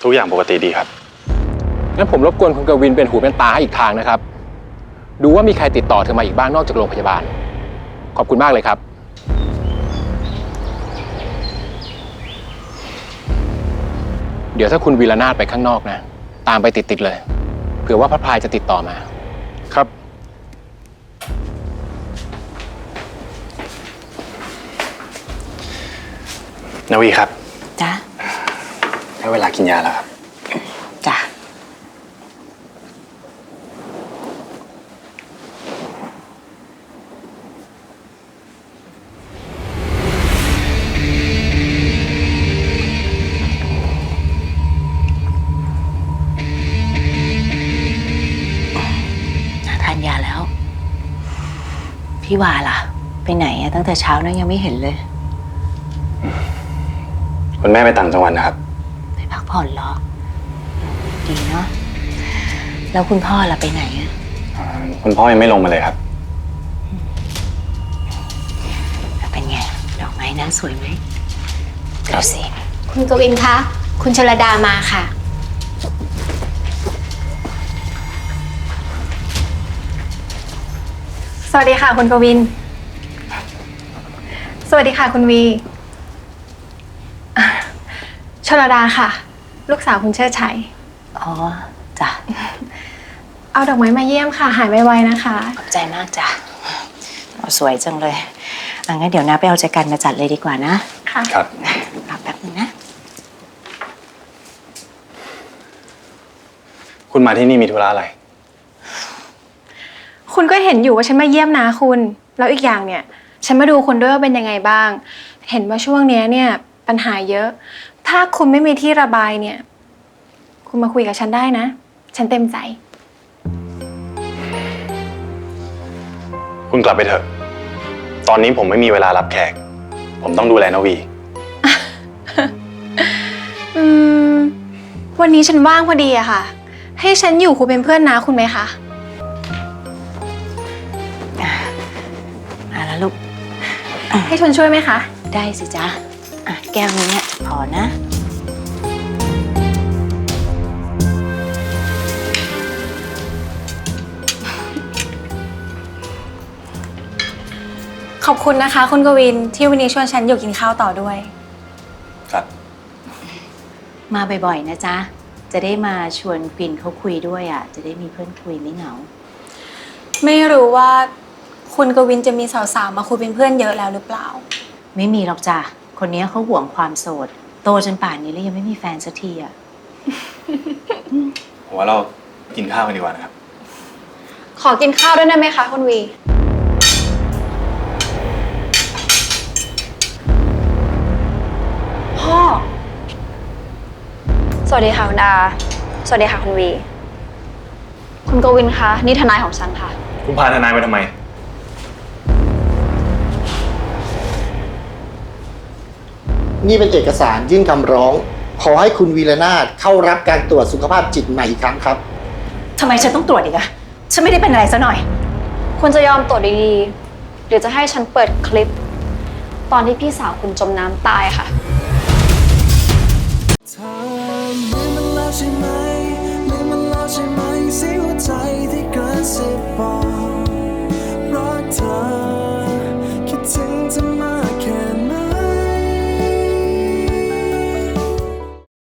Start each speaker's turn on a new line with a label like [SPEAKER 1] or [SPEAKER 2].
[SPEAKER 1] ทุกอย่างปกติดีครับ
[SPEAKER 2] งั้นผมรบกวนคุณกวินเป็นหูเป็นตาให้อีกทางนะครับดูว่ามีใครติดต่อเธอมาอีกบ้างนอกจากโรงพยาบาลขอบคุณมากเลยครับเดี๋ยวถ้าคุณวีรนาถไปข้างนอกนะตามไปติดเลยเผื่อว่าพระพายจะติดต่อมา
[SPEAKER 1] ครับนวีครับ
[SPEAKER 3] จ้ะ
[SPEAKER 1] ได้เวลากินยาแล้วครับ
[SPEAKER 3] จ้ะทานยาแล้วพี่วาล่ะไปไหนอะตั้งแต่เช้านะยังไม่เห็นเลย
[SPEAKER 1] คุณแม่ไปต่างจังหวัดนะครับ
[SPEAKER 3] ไปพักผ่อนเหรอดีเนาะแล้วคุณพ่อล่ะไปไหนอะ
[SPEAKER 1] คุณพ่อยังไม่ลงมาเลยครับ
[SPEAKER 3] เป็นไงดอกไม้นั้นสวยไหม
[SPEAKER 1] ครับ
[SPEAKER 3] สิ
[SPEAKER 4] คุณกวินคะคุณชลดามาค่ะสวัสดีค่ะคุณกวินสวัสดีค่ะคุณวีชลดาค่ะลูกสาวคุณเชิดชัย
[SPEAKER 3] อ๋อจ้ะ
[SPEAKER 4] เอาดอกไม้มาเยี่ยมค่ะหายไวๆนะคะ
[SPEAKER 3] ขอบใจมากจ้ะสวยจังเลยงั้นเดี๋ยวนะไปเอาใจกันมาจัดเลยดีกว่านะ
[SPEAKER 4] ค่ะ
[SPEAKER 1] ครับ
[SPEAKER 3] รอแป๊บนึงนะ
[SPEAKER 1] คุณมาที่นี่มีธุระอะไร
[SPEAKER 4] คุณก็เห็นอยู่ว่าฉันมาเยี่ยมนะคุณแล้วอีกอย่างเนี่ยฉันมาดูคุณด้วยว่าเป็นยังไงบ้างเห็นว่าช่วงนี้เนี่ยปัญหาเยอะถ้าคุณไม่มีที่ระบายเนี่ยคุณมาคุยกับฉันได้นะฉันเต็มใจ
[SPEAKER 1] คุณกลับไปเถอะตอนนี้ผมไม่มีเวลารับแขกผมต้องดูแลนวี
[SPEAKER 4] วันนี้ฉันว่างพอดีอะค่ะให้ฉันอยู่คุยเป็นเพื่อนนะคุณไหมคะ
[SPEAKER 3] มาแล้วลูก
[SPEAKER 4] ให้ชนช่วยไหมคะ
[SPEAKER 3] ได้สิจ๊ะแก้วนี้เนี่ยพอนะ
[SPEAKER 4] ขอบคุณนะคะคุณกวินที่วันนี้ชวนฉันอยู่กินข้าวต่อด้วย
[SPEAKER 1] ครับ
[SPEAKER 3] มาบ่อยๆนะจ๊ะจะได้มาชวนกวินเขาคุยด้วยจะได้มีเพื่อนคุยไม่เหงา
[SPEAKER 4] ไม่รู้ว่าคุณกวินจะมีสาวๆมาคุยเป็นเพื่อนเยอะแล้วหรือเปล่า
[SPEAKER 3] ไม่มีหรอกจ้ะคนนี้เขาห่วงความโสดโตจนป่านนี้แล้วยังไม่มีแฟนสักที
[SPEAKER 1] ผมว่าเรากินข้าวกันดีกว่านะครับ
[SPEAKER 4] ขอกินข้าวด้วยได้ไหมคะคุณวีพ่อ
[SPEAKER 5] สวัสดีค่ะคุณอาสวัสดีค่ะคุณวีคุณกวินคะนี่ทนายของฉันค่ะ
[SPEAKER 1] คุณพาทนายมาทำไม
[SPEAKER 6] นี่เป็นเอกสารยื่นคำร้องขอให้คุณวีรนาถเข้ารับการตรวจสุขภาพจิตใหม่อีกครั้งครับ
[SPEAKER 3] ทำไมฉันต้องตรวจอีกอะฉันไม่ได้เป็นอะไรซะหน่อย
[SPEAKER 5] คุณจะยอมตรวจดีๆหรือจะให้ฉันเปิดคลิปตอนที่พี่สาวคุณจมน้ำตายค่ะ